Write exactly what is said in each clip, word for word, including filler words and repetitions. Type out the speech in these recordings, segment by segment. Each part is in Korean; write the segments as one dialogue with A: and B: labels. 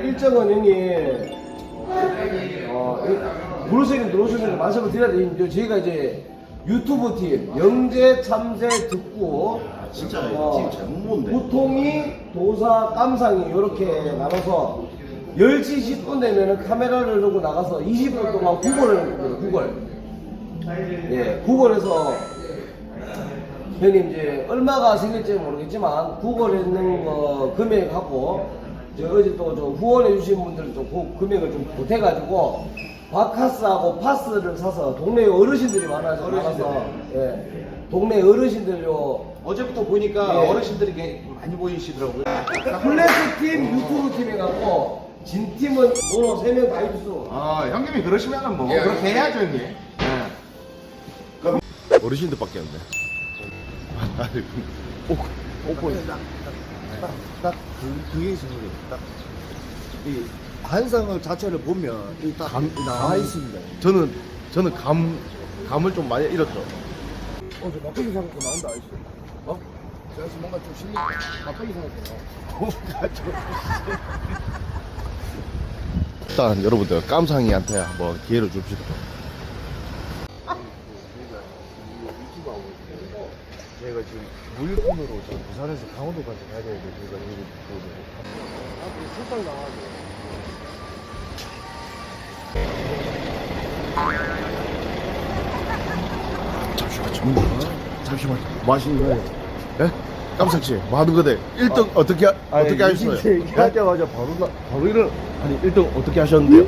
A: 일정은 형님 어, 들어오시긴 들어오시는 말씀을 드려야 돼요. 저희가 이제 유튜브 팀 영재 참새 듣고
B: 진짜
A: 어,
B: 팀 잘못 모은데.
A: 보통이 도사 깜상이 이렇게 나눠서 열 시 십 분 되면은 카메라를 들고 나가서 이십 분 동안 구걸을 해요. 구걸. 예, 구걸해서 형님 이제 얼마가 생길지 모르겠지만 구걸했는 거 금액하고 저 어제 또 좀 후원해 주신 분들 좀 그 금액을 좀 보태가지고 바카스하고 파스를 사서 동네 어르신들이 많아서 나가서 예, 동네 어르신들요
B: 어제부터 보니까
A: 예.
B: 어르신들이 꽤 많이 보이시더라고요.
A: 플래시 팀 유튜브 팀에 갖고 진 팀은 너너 세 명 다 있어.
B: 아 형님이 그러시면은 뭐
A: 예.
B: 그렇게 해야죠 형님. 예.
C: 어르신들밖에 안 돼. 아니, 꼭, 꼭 보여.
D: 딱 그, 그게 있는 거예요. 딱. 이 한상을 자체를 보면 이딱 나와 있습니다.
C: 저는, 저는 감, 감을 좀 많이 잃었죠.
D: 어, 저 막걸리 사갖고 나온다, 아저씨. 어? 저 아저씨 뭔가 좀 실리, 막걸리 사갖고 나와.
C: 일단 여러분들 깜상이한테 한번 기회를 줍시다.
D: 저희가 지금 물건으로 지금 부산에서 강원도까지 가야 되는데 저희가 여기 앞으로 출장 나와가지고.
C: 잠시만, 잠시만. 잠시만. 뭐 하시는 거예요? 예? 깜상씨, 뭐 하는 거대? 일 등 어떻게, 하- 어떻게 하셨어요? 예?
D: 얘기하자마자 바로 나,
C: 바로 일을, 아니, 일 등 어떻게 하셨는데요?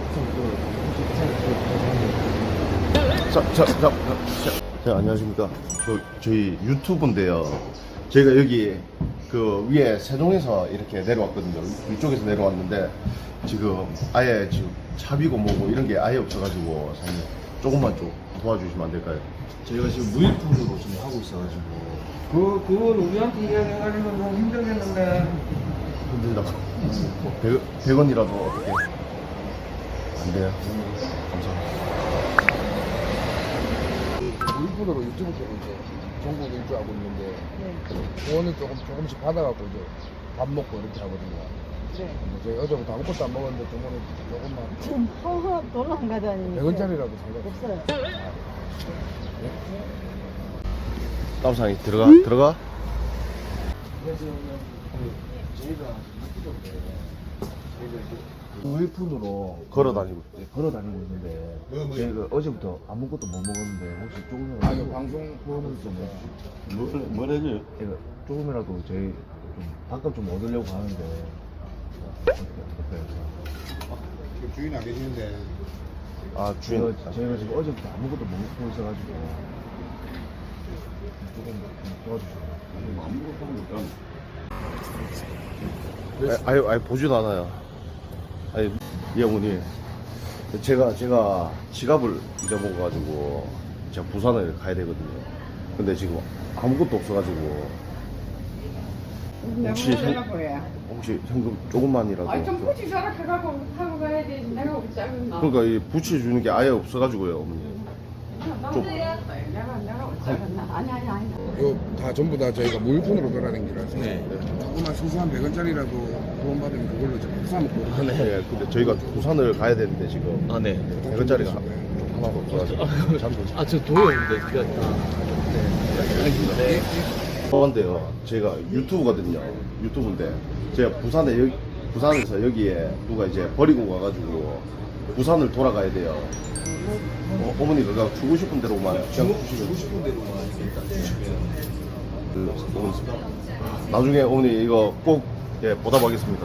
C: 자, 자, 자, 자, 자, 안녕하십니까. 저, 저희 유튜브인데요. 저희가 여기 그 위에 세종에서 이렇게 내려왔거든요. 위쪽에서 내려왔는데 지금 아예 지금 차비고 뭐고 이런 게 아예 없어가지고 사장님 조금만 좀 도와주시면 안 될까요?
B: 저희가 지금 무일푼으로 지금 하고 있어가지고.
A: 그 그건 우리한테 이야기해가지고 좀 힘들겠는데.
C: 힘들다고. 백 원이라도 어떻게 안 돼요? 감사합니다.
D: 물분으로 유튜브 쪽으로 이제 전국 일주하고 있는데 후원을 조금 조금씩 받아갖고 이제 밥 먹고 이렇게 하거든요.
E: 네.
D: 근데 저희 어제부터 아무것도 안 먹었는데 저번에 조금만
E: 지금 허허 돌아가다니까
D: 백 원짜리라도 살려고.
E: 없어요.
C: 깜상이 들어가 들어가.
A: 그래서 그 저희가
D: 무일푼으로
C: 걸어 다니고.
D: 네, 걸어 다니고 있는데 저희가 어제부터 아무것도 못 먹었는데 혹시 조금이라도
B: 아니 방송
D: 후원을 좀 해주시죠.
C: 뭐, 뭘 해줘요?
D: 제가 조금이라도 저희 좀 밥값 좀 얻으려고 하는데 어떻게 어떨까요?
B: 주인 안 계시는데.
C: 아 주인.
D: 저희가, 저희가 지금 어제부터 아무것도 못 먹고 있어가지고 조금 좀 도와주세요.
C: 아니, 아니, 아니 보지도 않아요. 아니 이 어머니 제가 제가 지갑을 잊어먹어가지고 제가 부산을 가야 되거든요. 근데 지금 아무것도 없어가지고 혹시 현, 혹시 현금 조금만이라도
F: 아니 좀
C: 좀-
F: 굳이 저렇게 가고 하고 가야 돼. 내가 우리 작은 나.
C: 그러니까 이 부채 주는 게 아예 없어가지고요 어머니. 좀-
F: 내가 내가 우리 작은 나. 아니 아니 아니.
G: 이거 다 전부 다 저희가 물품으로 돌아다니기라서 조그만 소소한 백 원짜리라도 후원받으면 그걸로 좀 사먹고
C: 네, 근데 저희가 부산을 가야 되는데 지금
H: 아, 네.
C: 백 원짜리가 하나도 없어가지고 잠도
H: 아, 저 도요인데, 그게 아니라. 네.
C: 그런데요, 제가 유튜브거든요. 유튜브인데 제가 부산에 여기, 부산에서 여기에 누가 이제 버리고 가가지고 부산을 돌아가야 돼요. 어, 어머니가 그냥 주고 싶은 대로만 그냥 주고 싶은 대로만 그, 어머니, 나중에 어머니 이거 꼭 예, 보답하겠습니다.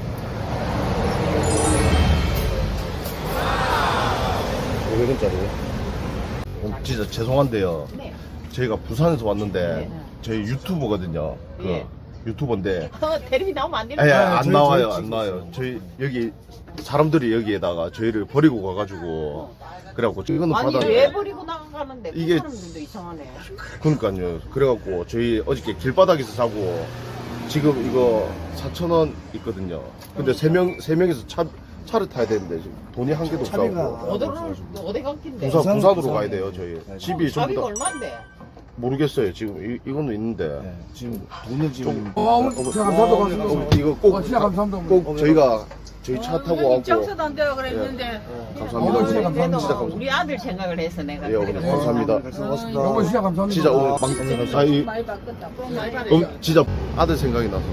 C: 오백 원짜리요? 어, 진짜 죄송한데요.
E: 네.
C: 저희가 부산에서 왔는데 저희 유튜버거든요. 그
E: 예.
C: 유튜버인데
E: 어, 테레비 나오면 안 되는
C: 아니,
E: 거야.
C: 안
D: 저희-
C: 나와요,
D: 저희
C: 안 나와요. 저희 여기 사람들이 여기에다가 저희를 버리고 가가지고 그래갖고 이거는
E: 아니
C: 받아.
E: 왜 버리고 나가는데 그
C: 이게-
E: 사람들도 이상하네.
C: 그러니까요. 그래갖고 저희 어저께 길바닥에서 자고 지금 이거 사천 원 있거든요. 근데 세 명 세 명이서 차 차를 타야 되는데 지금 돈이 한 개도
D: 차비가
C: 없다고.
E: 어디로 어디 갔긴데?
C: 부산
D: 부산,
C: 부산으로
D: 부산.
C: 가야 돼요 저희. 집이 전부
E: 자비가
C: 다
E: 얼마인데?
C: 모르겠어요. 지금 이, 이거는 있는데.
D: 네, 지금 돈을 지금
G: 어, 어머니, 제가 감사합니다.
C: 어, 이거 꼭,
G: 어, 진짜 감사합니다, 어머니.
C: 꼭 저희가 저희 차 타고 왔고.
E: 정서도 안 되고 그랬는데.
C: 감사합니다.
G: 진짜 감사합니다.
C: 진짜 감사합니다.
E: 우리 아들 생각을 해서 내가.
C: 예, 오늘 감사합니다.
G: 너무 진짜 감사합니다.
C: 진짜 오늘 방, 아니,
E: 많이 바꿨다. 좀 많이 바꿨다.
C: 음, 진짜 아들 생각이 나서.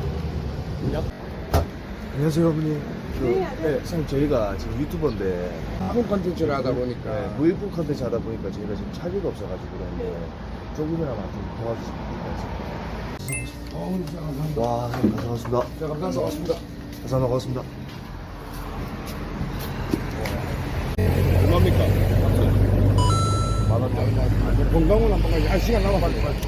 D: 안녕하세요 어머니. 그, 네, 선생님 저희가 지금 유튜버인데
G: 한국 컨텐츠를 하다 보니까
D: 네, 무일푼 컨텐츠 하다 보니까 저희가 지금 차비가 없어가지고 그런데 조금이나마 좀 도와주시면
G: 어, 진짜 감사합니다.
D: 와 감사합니다.
G: 진짜 감사합니다.
D: 감사합니다. 고맙습니다.
G: 얼마입니까? 만 원. 건강은 한번 가지. 아, 시간 남아 빨리 빨리.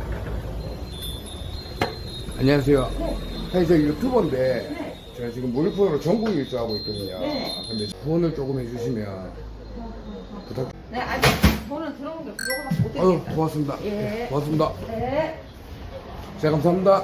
G: 안녕하세요. 사실 저 유튜버인데 제가 지금 무일푼으로 전국 일주하고 있거든요. 근데 후원을 조금 해주시면 부탁.
F: 네, 아직 돈은 들어온 게 그거밖에 못
G: 아유,
F: 드리겠다.
G: 고맙습니다.
F: 예.
G: 고맙습니다.
F: 네.
G: 제가 감사합니다.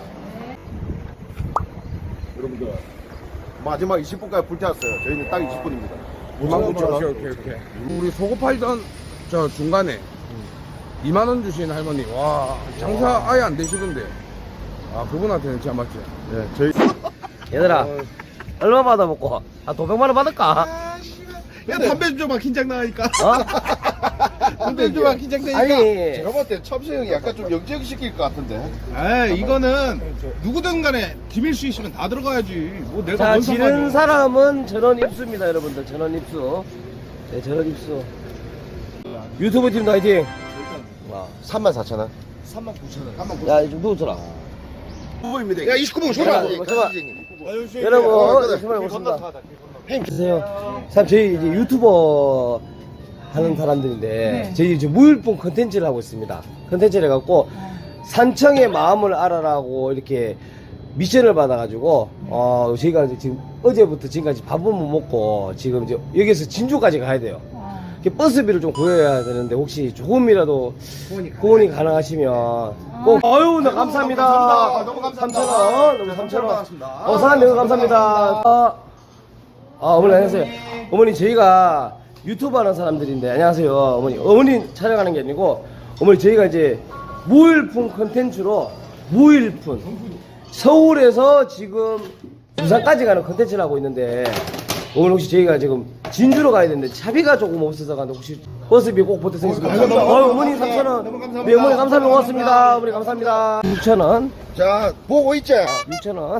C: 여러분들, 마지막 이십 분까지 불태웠어요. 저희는 딱 이십 분입니다. 오만
G: 오케이,
C: 구천 원.
G: 오케이, 오케이. 우리 소고 팔던 저 중간에 이만 원 주신 할머니, 와, 장사 아예 안 되시던데. 아, 그분한테는 진짜 맞지?
C: 네, 저희.
A: 얘들아 얼마 받아먹고 한 오백만 원 받을까?
B: 야 담배 좀 줘봐 긴장 나니까.
A: 어?
B: 담배 좀 줘봐 긴장 되니까.
A: 아니
C: 제가 봤을 때 첨수 형이 약간 좀 영재시킬 것 같은데.
B: 아 이거는 누구든 간에 김일수 있으면 다 들어가야지. 뭐 내가
A: 자
B: 뭔
A: 지른
B: 상관이야.
A: 사람은 전원 입수입니다 여러분들. 전원 입수. 네 전원 입수. 유튜브 팀도 화이팅. 와.
C: 삼만 사천 원.
D: 삼만 구천 원.
A: 야 좀 누워줘라.
C: 후보입니다. 야, 이십구 번 줘봐.
A: 잠깐만, 잠깐만. 여러분 정말 고맙습니다. 주세요. 참 저희 이제 유튜버 하는 사람들인데 저희 이제 무일푼 컨텐츠를 하고 있습니다. 컨텐츠를 해갖고 산청의 마음을 알아라고 이렇게 미션을 받아가지고 어 저희가 이제 지금 어제부터 지금까지 밥은 못 먹고 지금 이제 여기서 진주까지 가야 돼요. 이렇게 버스비를 좀 구해야 되는데 혹시 조금이라도 후원이 가능하시면 꼭 아유 나 감사합니다.
C: 너무 감사합니다.
A: 삼천 원 너무 삼천 원.
C: 고맙습니다.
A: 어 사장님 너무 감사합니다. 아, 아 어머니 안녕하세요. 어머니 저희가 유튜브 하는 사람들인데 안녕하세요 어머니. 어머니 촬영하는 게 아니고 어머니 저희가 이제 무일푼 컨텐츠로 무일푼 서울에서 지금 부산까지 가는 컨텐츠를 하고 있는데 오늘 혹시 저희가 지금 진주로 가야 되는데 차비가 조금 없어서 가는데 혹시 버스비 꼭 보태주시겠습니까? 어, 어머니 삼천 원. 네 어머니 감사합니다. 고맙습니다. 어머니 감사합니다. 육천 원.
C: 자, 보고 있지?
A: 육천 원.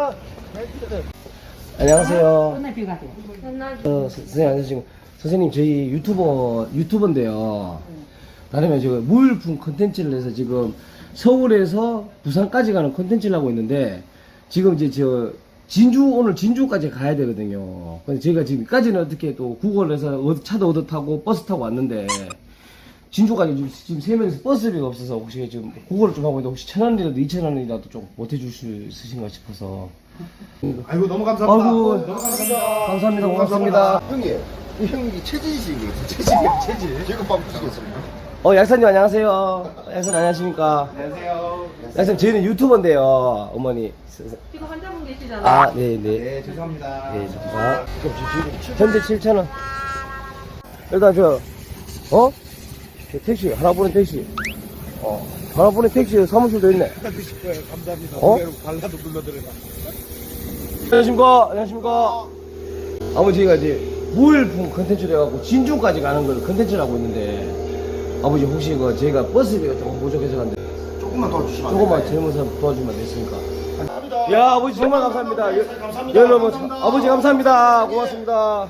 A: 안녕하세요.
F: 맨날 비가 돼.
A: 어, 서- 선생님 안녕하세요. 선생님 저희 유튜버 유튜버인데요. 다름이 지금 무일푼 컨텐츠를 해서 지금 서울에서 부산까지 가는 컨텐츠를 하고 있는데 지금 이제 저 진주 오늘 진주까지 가야 되거든요. 근데 저희가 지금까지는 어떻게 또 구글에서 어- 차도 얻어 타고 버스 타고 왔는데 진주까지 지금, 지금 세 명이서 버스비가 없어서 혹시 지금 구글을 좀 하고 있는데 혹시 천 원이라도 이천 원이라도 좀 보태줄 수 있으신가 싶어서.
B: 아이고 너무 감사합니다.
A: 아이고
B: 너무 감사합니다.
A: 감사합니다. 고맙습니다.
C: 형님, 이 형이 체질이시거든요. 체질. 체질. 지금 빵 부시겠습니다.
A: 어, 약사님 안녕하세요. 약사님 안녕하십니까?
B: 안녕하세요.
A: 약사님 저희는 유튜버인데요, 어머니.
F: 지금 환자분 계시잖아.
A: 아, 네, 네.
B: 네 죄송합니다.
A: 네, 자, 현재 칠천 원. 일단 저, 어? 저 택시, 하나 보낸 택시. 어, 하나 보낸 택시 사무실도 있네.
B: 드실 거예요. 감사합니다.
A: 어?
B: 발라도 불러드려라.
A: 안녕하십니까? 안녕하십니까? 아버지, 저희가 이제 무일푼 컨텐츠를 해갖고 진주까지 가는 걸 컨텐츠를 하고 있는데, 아버지 혹시 그 저희가 버스비가 조금 부족해서 갔는데,
C: 조금만 도와주시면 안
A: 조금만 젊은 사람 도와주면 안 됐습니까? 야, 아버지 정말 감사합니다. 여, 여러분, 아버지 감사합니다. 고맙습니다.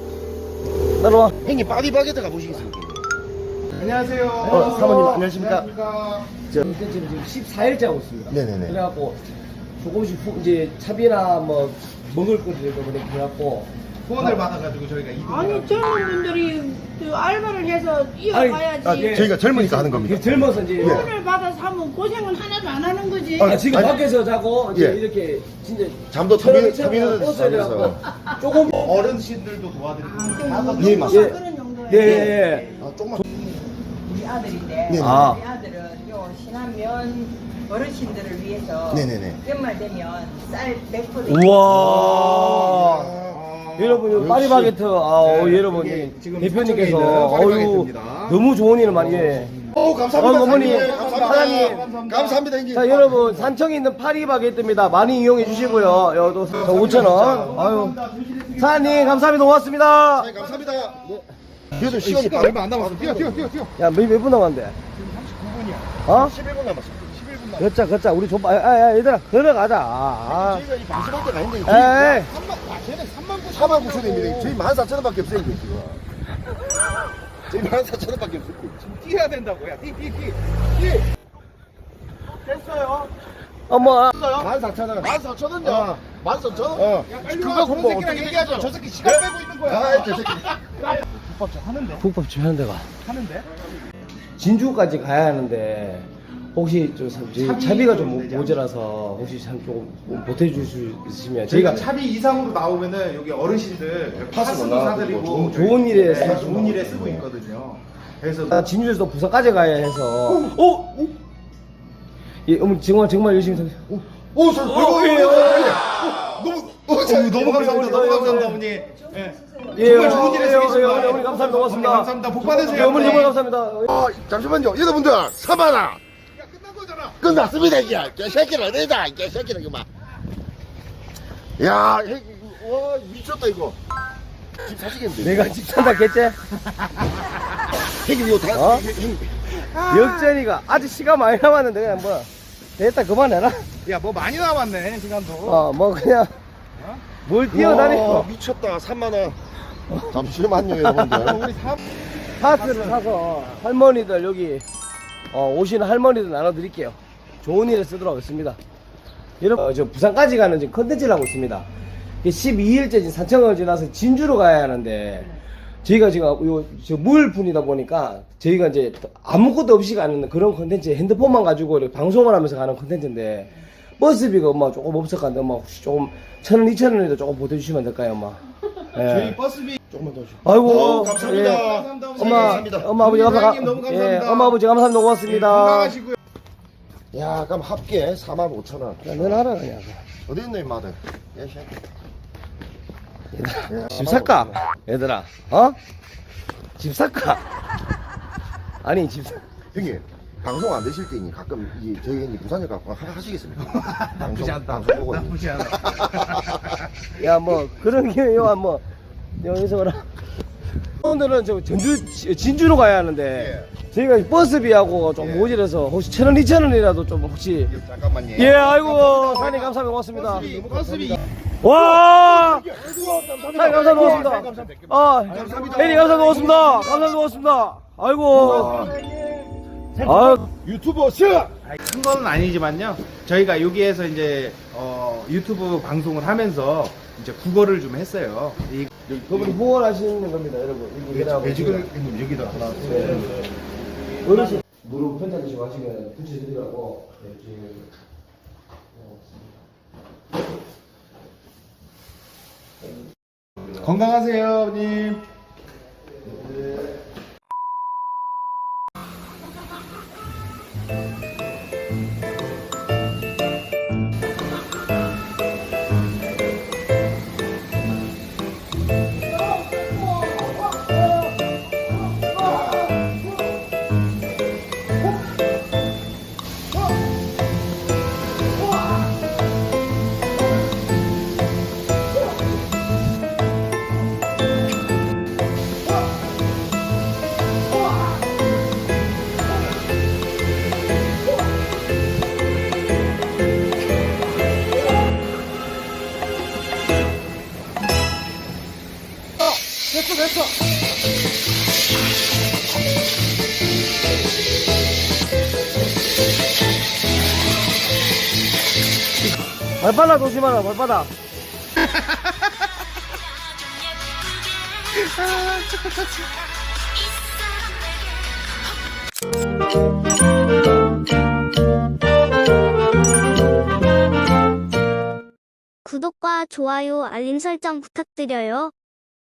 A: 따라와.
C: 형님, 파리바게트 가보시겠습니까?
B: 안녕하세요.
A: 어, 사모님 안녕하십니까?
B: 안녕하십니까.
A: 저 지금 지금 십사 일째 하고 있습니다.
C: 네네네.
A: 그래갖고 조금씩 후, 이제 차비나 뭐 먹을 것들도 그렇게 해갖고
B: 후원을 받아가지고 저희가 이동.
E: 아니 젊은 분들이 그 알바를 해서 이어가야지.
A: 아니, 아, 예.
C: 저희가 젊으니까 하는 겁니다.
A: 이게 젊어서 이제
E: 돈을 받아서 하면 고생을 하나도 안 하는 거지.
A: 아, 지금
C: 아니,
A: 밖에서 자고 이제
C: 예.
A: 이렇게 진짜
C: 잠도 터미- 터미널에서
A: 버스에
C: 자면서.
A: 가갖고 조금
B: 어른신들도 도와드리고.
E: 아,
C: 예, 맞습니다.
E: 그런 정도예요.
A: 예, 예.
C: 아, 조금만.
E: 우리 아들인데
C: 네네.
A: 아.
E: 우리 아들은 요 신안면 어르신들을 위해서
C: 네네네.
E: 연말 되면 쌀 백 퍼센트
A: 우와. 여러분, 요 파리바게트, 아, 어,
B: 네,
A: 여러분,
B: 이게
A: 이
B: 지금
A: 대표님께서,
B: 서쪽에 있는
A: 어유
B: 파리바게트입니다.
A: 너무 좋은 일을 많이 해.
C: 오, 감사합니다.
A: 어, 어머니,
C: 사장님. 감사합니다.
A: 사장님.
C: 감사합니다, 형님.
A: 자, 여러분, 산청에 있는 파리 바게트입니다. 많이 이용해 주시고요. 여도 오천 원. 아유. 사장님, 감사합니다. 고맙습니다.
C: 네, 감사합니다. 네. 그래도 시간이
B: 시간 얼마 안 남았어. 뛰어, 뛰어, 뛰어, 뛰어.
A: 야, 몇, 몇 분 남았는데? 어?
C: 십일 분 남았어.
A: 걷자, 걷자. 우리 좀, 아, 야, 야, 얘들아, 걸어가자. 아,
C: 저희가 이 방송할 때가 아닌데.
A: 아. 에이.
C: 사만 구천 원입니다. 저희 만 사천 원밖에 없어요, 이거 지금. 저희 만 사천 원밖에 없어요.
B: 뛰어야 된다고. 야, 뛰, 뛰, 뛰.
A: 어머,
C: 만 사천 원. 만 사천 원요?
B: 어.
C: 만 사천 원?
B: 어.
C: 그거
B: 저런
C: 뭐
B: 새끼랑
C: 어떻게
B: 얘기하자. 저 새끼 시간 빼고 있는 거야.
C: 아, 저 새끼.
B: 국밥집 하는데?
A: 국밥집 하는 데가.
B: 하는데?
A: 진주까지 가야 하는데, 혹시 저, 저희 차비가 좀 모자라서, 혹시 참 조금 보태줄 수 있으면,
B: 저희가
A: 저희가
B: 차비 이상으로 나오면은 여기 어르신들 파스도
C: 나가고
B: 사드리고
C: 좋은-
A: 좋은 일에
B: 네,
A: 쓰고
B: 좋은 일에 쓰고 있거든요. 그래서
A: 나 진주에서 부산까지 가야 해서, 오! 오! 예, 어머니, 정말, 정말 열심히 사
C: 오, 저,
A: 어, 예, 어,
C: 너무, 어, 저, 너무 감사합니다. 너무 감사합니다, 어머니.
B: 예.
A: 예,
B: 정말 좋은 일에
A: 예,
B: 쓰겠습니다.
A: 예, 어머니, 어머니 감사합니다. 고맙습니다.
B: 어머니 감사합니다. 복 받으세요.
A: 예, 어머니 정말 감사합니다.
C: 아, 잠시만요. 여러분들, 사만아.
B: 야, 끝난 거잖아.
C: 끝났습니다, 이게. 개새끼는 어디다, 개새끼는 그만. 야, 형, 와, 미쳤다, 이거. 집 사시겠는데?
A: 내가 집 산다 했지?
C: 형님, 이거 다,
A: 어?
C: 형,
A: 역전이가 아직 시간 많이 남았는데 그냥 뭐 됐다 그만해라.
B: 야, 뭐 많이 남았네, 시간도.
A: 어 뭐 그냥 뭘 뛰어다니고
C: 와, 미쳤다, 삼만 원. 잠시만요, 여러분들.
B: 우리 사
A: 파스를 사서 할머니들 여기 어, 오시는 할머니들 나눠드릴게요. 좋은 일에 쓰도록 하겠습니다. 여러분 어, 저 부산까지 가는 지금 컨텐츠를 하고 있습니다. 십이 일째 지금 산청을 지나서 진주로 가야 하는데 저희가 지금 요, 저 물분이다 보니까 저희가 이제 아무것도 없이 가는 그런 컨텐츠 핸드폰만 가지고 이렇게 방송을 하면서 가는 컨텐츠인데 버스비가 엄마 조금 없었는데 엄마 혹시 조금 천 원, 이천 원이라도 조금 보태주시면 안 될까요, 엄마? 예.
B: 저희 버스비
C: 조금만 더 주세요.
A: 아이고,
C: 어, 감사합니다.
A: 예.
B: 감사합니다.
A: 엄마,
C: 감사합니다.
A: 엄마 아버지 감사,
B: 사장님 너무 감사합니다.
A: 예, 엄마 아버지 감사합니다.
B: 예,
A: 고맙습니다.
B: 건강하시고요.
C: 야, 그럼 합계 사만 오천 원.
A: 야, 넌 알아 그냥.
C: 어디 있네, 마들? 예, 씨.
A: 집 살까? 얘들아, 어? 집 살까? 아니 집 사.
C: 형님, 방송 안 되실 때니 가끔 이 저희 형님 부산에 갖고 하- 하시겠습니까?
B: 나쁘지 않다.
C: 방송 보고.
B: 나쁘지 않아.
A: 야, 뭐 그런 게 요한 뭐 여기서 그라. 오늘은 저 전주 진주로 가야 하는데 저희가 버스비하고 좀 모자라서 혹시 천 원, 이천 원이라도 좀 혹시.
C: 잠깐만요.
A: 예, 아이고 사장님 감사합니다. 고맙습니다.
B: 버스비, 버스비.
A: 와! 사장님 감사합니다. 고맙습니다. 아, 혜리 감사합니다. 고맙습니다. 감사합니다. 고맙습니다. 아이고. 아,
C: 유튜버 시!
B: 큰 건 아니지만요. 저희가 여기에서 이제 어, 유튜브 방송을 하면서 이제 국어를 좀 했어요. 이
A: 그분이 후원하시는 겁니다, 여러분. 이거
C: 매직을 여기다 하나.
A: 어르신 무릎 편찮 드시고 하시면 붙여드리라고. 네, 지금.
B: 건강하세요, 아버님.
A: 발바닥 조심하라, 발바닥.
I: 구독과 좋아요, 알림 설정 부탁드려요.